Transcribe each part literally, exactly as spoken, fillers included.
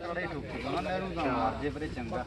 ਥੋੜਾ ਠੁੱਕੂਗਾ ਨਹਿਰੂ ਦਾ ਮਾਰ ਜੇ ਪਰੇ ਚੰਗਾ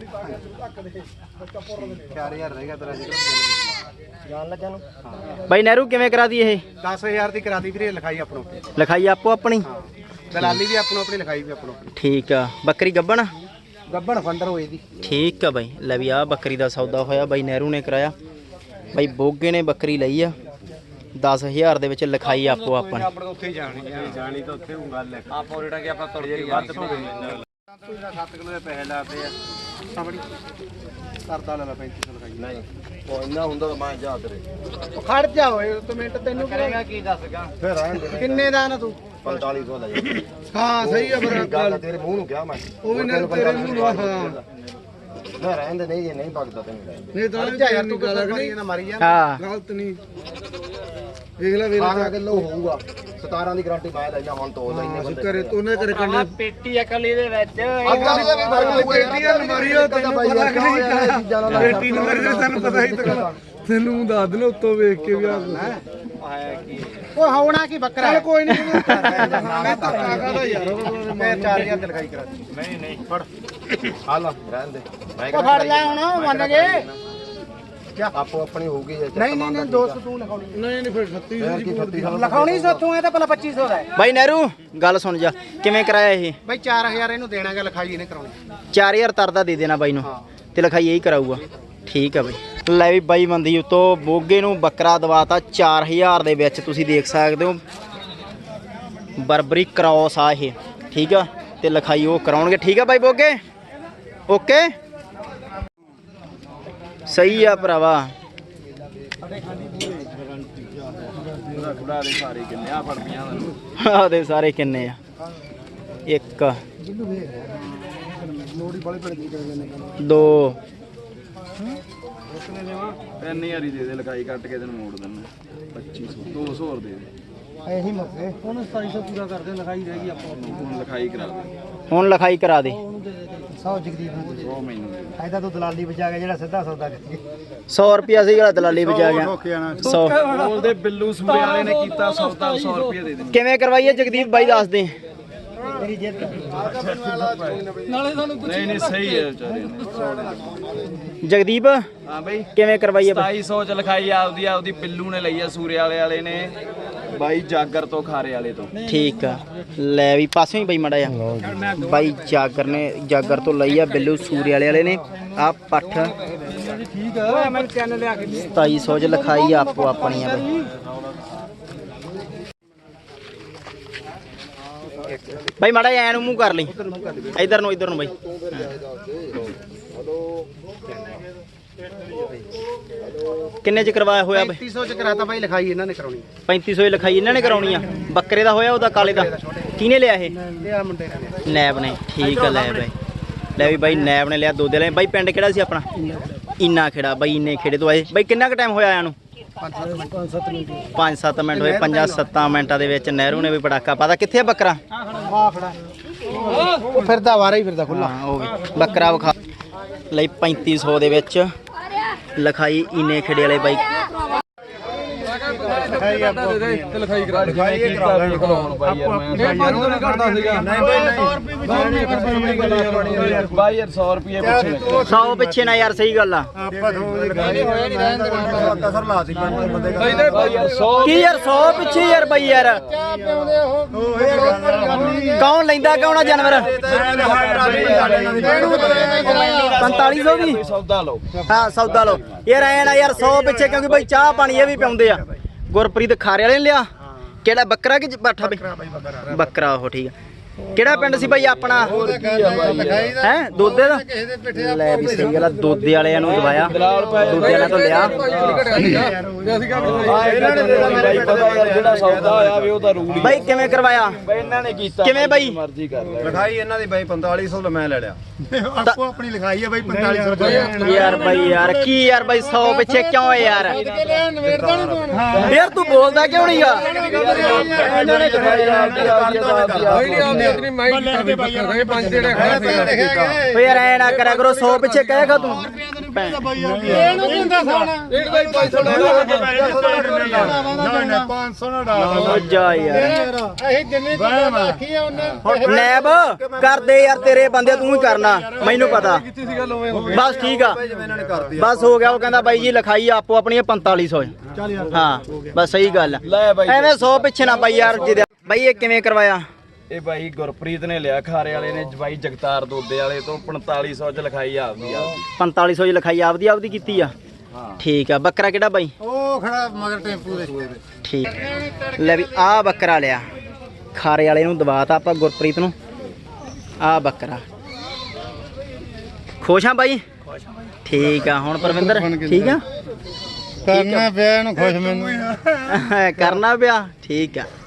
ਚਾਰ ਹਜ਼ਾਰ ਰਹੇਗਾ ਤੇਰਾ ਜਾਣ ਲੱਗਾ ਨੂੰ ਬਾਈ ਨਹਿਰੂ ਕਿਵੇਂ ਕਰਾਦੀ ਇਹ ਦਸ ਹਜ਼ਾਰ ਦੀ ਕਰਾਦੀ ਵੀਰੇ ਲਿਖਾਈ ਆਪਣੋ ਲਿਖਾਈ ਆਪੋ ਆਪਣੀ ਦਲਾਲੀ ਵੀ ਆਪਣੋ ਆਪਣੀ ਲਿਖਾਈ ਵੀ ਆਪਣੋ ਠੀਕ ਆ ਬੱਕਰੀ ਗੱਬਣ ਗੱਬਣ ਫੰਡਰ ਹੋਏ ਦੀ ਠੀਕ ਆ ਬਾਈ ਲੈ ਵੀ ਆ ਬੱਕਰੀ ਦਾ ਸੌਦਾ ਹੋਇਆ ਬਾਈ ਨਹਿਰੂ ਨੇ ਕਰਾਇਆ ਬਾਈ ਬੋਗੇ ਨੇ ਬੱਕਰੀ ਲਈ ਆ ਦਸ ਹਜ਼ਾਰ ਦੇ ਵਿੱਚ ਲਿਖਾਈ ਆਪੋ ਆਪਣੀ ਆਪਣੇ ਉੱਥੇ ਜਾਣੀ ਜਾਣੀ ਤਾਂ ਉੱਥੇ ਉਹ ਗੱਲ ਹੈ ਆਪੋ ਰੇਟਾਂ ਕਿ ਆਪਾਂ ਤੁਰ ਕੇ ਵੱਧ ਪਵੇ ਸੱਤ ਕਿਲੋ ਦੇ ਪੈਸੇ ਲਾਤੇ ਆ ਸਾਬੜੀ ਕਰਦਾ ਲੈ ਪੈਂਤੀ ਸੌ ਲਿਖਾਈ ਨਹੀਂ ਉਹ ਇੰਨਾ ਹੁੰਦਾ ਤਾਂ ਮੈਂ ਜਾ ਤੇਰੇ ਉਹ ਖੜ ਜਾ ਓਏ ਤੂੰ ਮਿੰਟ ਤੈਨੂੰ ਕਰੇਗਾ ਕੀ ਦੱਸਗਾ ਫਿਰ ਰਹਿਣ ਦੇ ਕਿੰਨੇ ਦਾ ਨਾ ਤੂੰ ਪੰਤਾਲੀ ਸੌ ਲੈ ਜਾ ਹਾਂ ਸਹੀ ਆ ਬਰਾ ਗੱਲ ਤੇਰੇ ਮੂੰਹ ਨੂੰ ਕਿਹਾ ਮੈਂ ਉਹ ਵੀ ਨਾ ਤੇਰੇ ਮੂੰਹ ਨੂੰ ਹਾਂ ਮੈਂ ਰਹਿਣ ਦੇ ਨਹੀਂ ਜੇ ਨਹੀਂ ਭਗਦਾ ਤੈਨੂੰ ਨਹੀਂ ਤਾਂ ਯਾਰ ਤੂੰ ਗੱਲ ਨਹੀਂ ਨਾ ਮਾਰੀ ਜਾ ਹਾਂ ਗਲਤ ਨਹੀਂ ਵੇਖ ਲੈ ਵੇਖ ਲੈ ਕਿਲੋ ਹੋਊਗਾ ਸਤਾਰਾਂ ਦੀ ਗਾਰੰਟੀ ਮੈਂ ਲੈ ਜਾ ਹੁਣ ਤੋਂ ਲੈਨੇ ਬੰਦੇ ਕਰੇ ਤੂੰ ਨੇ ਕਰੇ ਕੰਨੇ ਪੇਟੀ ਅਕਲੀ ਦੇ ਵਿੱਚ ਅਕਲੀ ਦੇ ਵੀ ਫਰਕ ਪੇਟੀ ਆ ਨੰਬਰੀ ਉਹ ਤੈਨੂੰ ਪਤਾ ਨਹੀਂ ਪੇਟੀ ਨੰਬਰ ਦੇ ਤੈਨੂੰ ਪਤਾ ਹੀ ਤਾਂ ਤੈਨੂੰ ਦੱਸ ਦੇਣਾ ਉੱਤੋਂ ਵੇਖ ਕੇ ਵੀ ਆ ਆਇਆ ਕੀ ਉਹ ਹੋਣਾ ਕੀ ਬੱਕਰਾ ਚੱਲ ਕੋਈ ਨਹੀਂ ਮੈਂ ਧੱਕਾ ਕਰਦਾ ਯਾਰ ਮੈਂ ਚਾਰ ਹਜ਼ਾਰ ਦਿਲਖਾਈ ਕਰਾ ਨਹੀਂ ਨਹੀਂ ਫੜ ਆ ਲੈ ਰਹਿਣ ਦੇ ਮੈਂ ਫੜ ਲੈ ਹੁਣ ਮੰਨ ਗਏ ਆਪੋ ਆਪਣੀ ਹੋਊਗੀ ਨਹੀਂ ਨਹੀਂ ਨਹੀਂ ਦੋਸਤ ਤੂੰ ਲਿਖਾਉਣੀ ਨਹੀਂ ਨਹੀਂ ਫਿਰ ਛੱਤੀ ਸੌ ਲਿਖਾਉਣੀ ਸੋਥੋਂ ਇਹ ਤਾਂ ਪਹਿਲਾਂ ਪੱਚੀ ਸੌ ਦਾ ਬਾਈ ਨਹਿਰੂ ਗੱਲ ਸੁਣ ਜਾ ਕਿਵੇਂ ਕਰਾਇਆ ਇਹ ਬਾਈ ਚਾਰ ਹਜ਼ਾਰ ਇਹਨੂੰ ਦੇਣਾਗਾ ਲਿਖਾਈ ਇਹਨੇ ਕਰਾਉਣੀ ਚਾਰ ਹਜ਼ਾਰ ਤਰਦਾ ਦੇ ਦੇਣਾ ਬਾਈ ਨੂੰ ਤੇ ਲਿਖਾਈ ਇਹੀ ਕਰਾਊਗਾ ਠੀਕ ਆ ਬਾਈ ਲੈ ਵੀ ਬਾਈ ਬੰਦੀ ਉਤੋਂ ਬੋਗੇ ਨੂੰ ਬੱਕਰਾ ਦਵਾਤਾ ਚਾਰ ਹਜ਼ਾਰ ਦੇ ਵਿੱਚ ਤੁਸੀਂ ਦੇਖ ਸਕਦੇ ਹੋ ਬਰਬਰੀ ਕ੍ਰੋਸ ਆ ਇਹ ਠੀਕ ਆ ਤੇ ਲਿਖਾਈ ਉਹ ਕਰਾਉਣਗੇ ਠੀਕ ਆ ਬਾਈ ਬੋਗੇ ਓਕੇ ਸਹੀ ਆ ਭਰਾਵਾ ਆ ਦੇ ਸਾਰੇ ਕਿੰਨੇ ਆ ਇੱਕ ਦੋ ਤਿੰਨ ਹਜ਼ਾਰ ਹੀ ਦੇ ਦੇ ਲਗਾਈ ਕੱਟ ਕੇ ਤੈਨੂੰ ਮੋੜ ਦਿੰਦਾ ਪੱਚੀ ਸੌ ਦੋ ਸੌ ਹੋਰ ਦੇ ਦੇ ਇਹੀ ਮੱਥੇ ਹੁਣ ਸਤਾਈ ਸੌ ਪੂਰਾ ਕਰਦੇ ਲਿਖਾਈ ਰਹਿ ਗਈ ਆਪਾਂ ਹੁਣ ਲਿਖਾਈ ਕਰਾ ਦੇ ਹੁਣ ਲਿਖਾਈ ਕਰਾ ਦੇ ਸੌ ਜਗਦੀਪ ਨੂੰ ਸੌ ਮੈਨੂੰ ਐਦਾ ਤੂੰ ਦਲਾਲੀ ਬਚਾ ਗਿਆ ਜਿਹੜਾ ਸਿੱਧਾ ਸੌਦਾ ਕਰੀ ਸੌ ਰੁਪਿਆ ਸੀ ਜਿਹੜਾ ਦਲਾਲੀ ਬਚਾ ਗਿਆ ਸੌ ਬੋਲਦੇ ਬਿੱਲੂ ਸੂਰੇ ਵਾਲੇ ਨੇ ਕੀਤਾ ਸੌਦਾ ਸੌ ਰੁਪਏ ਦੇ ਦੇ ਕਿਵੇਂ ਕਰਵਾਈਏ ਜਗਦੀਪ ਬਾਈ ਦੱਸ ਦੇ ਤੇਰੀ ਜਿੱਦ ਨਾਲੇ ਸਾਨੂੰ ਨਹੀਂ ਨਹੀਂ ਸਹੀ ਹੈ ਵਿਚਾਰੇ ਨੇ ਜਗਦੀਪ ਹਾਂ ਬਈ ਕਿਵੇਂ ਕਰਵਾਈਏ ਸਤਾਈ ਸੌ ਚ ਲਿਖਾਈ ਆਪਦੀ ਆਪਦੀ ਬਿੱਲੂ ਨੇ ਲਈ ਆ ਸੂਰੇ ਵਾਲੇ ਵਾਲੇ ਨੇ ਬਾਈ ਜਾਗਰ ਤੋਂ ਖਾਰੇ ਵਾਲੇ ਤੋਂ ਠੀਕ ਆ ਲੈ ਵੀ ਪਾਸੋਂ ਹੀ ਬਾਈ ਮੜਾ ਆ ਬਾਈ ਜਾਗਰ ਨੇ ਜਾਗਰ ਤੋਂ ਲਈ ਆ ਬਿੱਲੂ ਸੂਰੇ ਵਾਲੇ ਵਾਲੇ ਨੇ ਆ ਪੱਠ ਠੀਕ ਆ ਮੈਂ ਚੈਨਲ ਲਿਆ ਕੇ ਸਤਾਈ ਸੌ ਚ ਲਿਖਾਈ ਆਪੋ ਆਪਣੀ ਆ ਬਾਈ ਬਾਈ ਮਾੜਾ ਐ ਨੂੰ ਮੂੰਹ ਕਰ ਲਈ ਇਧਰ ਨੂੰ ਇਧਰ ਨੂੰ ਬਾਈ ਕਿੰਨੇ ਚ ਕਰਵਾਇਆ ਹੋਇਆ ਬਾਈ ਪੈਂਤੀ ਸੌ ਚ ਕਰਾਤਾ ਬਾਈ ਲਿਖਾਈ ਇਹਨਾਂ ਨੇ ਕਰਾਉਣੀ ਪੈਂਤੀ ਸੌ ਦੀ ਲਿਖਾਈ ਇਹਨਾਂ ਨੇ ਕਰਾਉਣੀ ਆ ਬੱਕਰੇ ਦਾ ਹੋਇਆ ਉਹਦਾ ਕਾਲੇ ਦਾ ਕਿਹਨੇ ਲਿਆ ਇਹ ਲਿਆ ਮੁੰਡੇ ਨੇ ਨੈਬ ਨੇ ਠੀਕ ਆ ਲੈ ਬਾਈ ਲੈ ਵੀ ਬਾਈ ਨੈਬ ਨੇ ਲਿਆ ਦੋ ਦੇ ਲੈ ਬਾਈ ਪਿੰਡ ਕਿਹੜਾ ਸੀ ਆਪਣਾ ਇੰਨਾ ਖੇੜਾ ਬਾਈ ਇੰਨੇ ਖੇੜੇ ਤੋਂ ਆਏ ਬਾਈ ਕਿੰਨਾ ਕੁ ਟਾਈਮ ਹੋਇਆ ਆਇਆ ਨੂੰ ਪੰਜ ਸੱਤ ਮਿੰਟ ਹੋਏ ਪੰਜਾਂ ਸੱਤਾਂ ਮਿੰਟਾਂ ਦੇ ਵਿੱਚ ਨਹਿਰੂ ਨੇ ਵੀ ਪਟਾਕਾ ਪਾਤਾ ਕਿੱਥੇ ਆ ਬੱਕਰਾ ਆ ਖੜਾ ਉਹ ਫਿਰਦਾ ਵਾਰਾ ਹੀ ਫਿਰਦਾ ਖੁੱਲਾ ਹਾਂ ਉਹ ਬੱਕਰਾ ਵਿਖਾ ਲਈ ਪੈਂਤੀ ਸੌ ਦੇ ਵਿੱਚ ਲਿਖਾਈ ਇੰਨੇ ਖੇੜੇ ਵਾਲੇ ਬਾਈ ਲਿਖਾਈ ਆਪੋ ਤੇ ਲਿਖਾਈ ਕਰਾ ਲਿਖਾਈ ਕਰਾ ਲੈ ਕਰਾਉਣ ਬਾਈ ਯਾਰ ਮੈਂ ਪੰਜ ਸੌ ਨਹੀਂ ਘਟਦਾ ਸੀਗਾ ਨਹੀਂ ਬਾਈ ਬਾਈ ਯਾਰ ਸੌ ਰੁਪਏ ਪਿੱਛੇ ਸੌ ਪਿੱਛੇ ਨਾ ਯਾਰ ਸਹੀ ਗੱਲ ਆ ਆਪਾਂ ਥੋੜੀ ਗੱਲ ਹੋਇਆ ਨਹੀਂ ਰਹਿਣ ਦੇ ਕਸਰ ਲਾ ਸੀ ਬੰਦੇ ਦਾ ਬਾਈ ਯਾਰ ਸੌ ਕੀ ਯਾਰ ਸੌ ਪਿੱਛੇ ਯਾਰ ਬਾਈ ਯਾਰ ਕੌਣ ਲੈਂਦਾ ਕੌਣ ਆ ਜਾਨਵਰ ਪੰਤਾਲੀ ਸੌ ਦੀ ਸੌਦਾ ਲਓ ਹਾਂ ਸੌਦਾ ਲਓ ਯਾਰ ਐ ਨਾ ਯਾਰ ਸੌ ਪਿੱਛੇ ਕਿਉਂਕਿ ਬਾਈ ਚਾਹ ਪਾਣੀ ਇਹ ਵੀ ਪਿਆਉਂਦੇ ਆ ਗੁਰਪ੍ਰੀਤ ਖਾਰੇ ਵਾਲੇ ਨੇ ਲਿਆ ਕਿਹੜਾ ਬੱਕਰਾ ਕਿ ਬਾਠਾ ਬਈ ਬੱਕਰਾ ਉਹ ਠੀਕ ਆ ਕਿਹੜਾ ਪਿੰਡ ਸੀ ਬਾਈ ਆਪਣਾ ਹੈ ਦੋਦੇ ਦਾ ਲੈ ਵੀ ਸਹੀ ਗੱਲ ਆ ਦੋਦੇ ਵਾਲਿਆਂ ਨੂੰ ਦਵਾਇਆ ਦੋਦੇ ਵਾਲਿਆਂ ਤੋਂ ਲਿਆ ਜਿਹੜਾ ਸੌਦਾ ਹੋਇਆ ਵੀ ਉਹ ਤਾਂ ਰੂਲ ਬਾਈ ਕਿਵੇਂ ਕਰਵਾਇਆ ਬਾਈ ਇਹਨਾਂ ਨੇ ਕੀਤਾ ਕਿਵੇਂ ਬਾਈ ਮਰਜ਼ੀ ਕਰ ਲਿਖਾਈ ਇਹਨਾਂ ਦੀ ਬਾਈ ਪੰਤਾਲੀ ਸੌ ਮੈਂ ਲੈ ਲਿਆ ਆਪੋ ਆਪਣੀ ਲਿਖਾਈ ਹੈ ਬਾਈ ਪੰਤਾਲੀ ਸੌ ਰੁਪਏ ਯਾਰ ਬਾਈ ਯਾਰ ਕੀ ਯਾਰ ਬਾਈ ਸੌ ਪਿੱਛੇ ਕਿਉਂ ਹੈ ਯਾਰ ਯਾਰ ਤੂੰ ਬੋਲਦਾ ਕਿਉਂ ਨਹੀਂ ਆ ਇਹਨਾਂ ਨੇ ਇਤਨੀ ਮਾਈਕ ਕਰਦੇ ਬੱਕਰੇ ਪੰਜ ਜਿਹੜੇ ਖੜੇ ਓ ਯਾਰ ਐ ਨਾ ਕਰਿਆ ਕਰੋ ਸੌ ਪਿੱਛੇ ਕਹੇਗਾ ਤੂੰ ਇਹਨੂੰ ਦਿੰਦਾ ਸਾਣਾ ਇਹ ਬਾਈ ਪੰਜ ਸੌ ਨਾ ਪੰਜ ਸੌ ਨਾ ਹੋ ਜਾ ਯਾਰ ਅਸੀਂ ਜਿੰਨੇ ਦੀ ਰੱਖੀ ਆ ਉਹਨੇ ਨੈਬ ਕਰਦੇ ਯਾਰ ਤੇਰੇ ਬੰਦੇ ਤੂੰ ਹੀ ਕਰਨਾ ਮੈਨੂੰ ਪਤਾ ਬਸ ਠੀਕ ਆ ਬਸ ਹੋ ਗਿਆ ਉਹ ਕਹਿੰਦਾ ਬਾਈ ਜੀ ਲਿਖਾਈ ਆਪੋ ਆਪਣੀ ਪੰਤਾਲੀ ਸੌ ਹਾਂ ਬਸ ਸਹੀ ਗੱਲ ਐਵੇਂ ਸੌ ਪਿੱਛੇ ਨਾ ਬਾਈ ਯਾਰ ਜਿਹਦੇ ਬਾਈ ਇਹ ਕਿਵੇਂ ਕਰਵਾਇਆ ਇਹ ਬਾਈ ਗੁਰਪ੍ਰੀਤ ਨੇ ਲਿਆ ਖਾਰੇ ਵਾਲੇ ਨੇ ਬਾਈ ਜਗਤਾਰ ਦੋਦੇ ਵਾਲੇ ਤੋਂ ਪੰਤਾਲੀ ਸੌ ਚ ਲਿਖਾਈ ਆਪਦੀ ਆਪਦੀ ਪੰਤਾਲੀ ਸੌ ਚ ਲਿਖਾਈ ਆਪਦੀ ਆਪਦੀ ਕੀਤੀ ਆ ਠੀਕ ਆ ਬੱਕਰਾ ਕਿਹੜਾ ਬਾਈ ਉਹ ਖੜਾ ਮਗਰ ਟੈਂਪੂ ਦੇ ਠੀਕ ਲੈ ਵੀ ਆ ਬੱਕਰਾ ਲਿਆ ਖਾਰੇ ਵਾਲੇ ਨੂੰ ਦਵਾਤਾ ਆਪਾਂ ਗੁਰਪ੍ਰੀਤ ਨੂੰ ਆ ਬੱਕਰਾ ਖੁਸ਼ ਆ ਬਾਈ ਠੀਕ ਆ ਹੁਣ ਪਰਵਿੰਦਰ ਠੀਕ ਆ ਕਰਨਾ ਪਿਆ ਇਹਨੂੰ ਖੁਸ਼ ਮੈਨੂੰ ਕਰਨਾ ਪਿਆ ਠੀਕ ਆ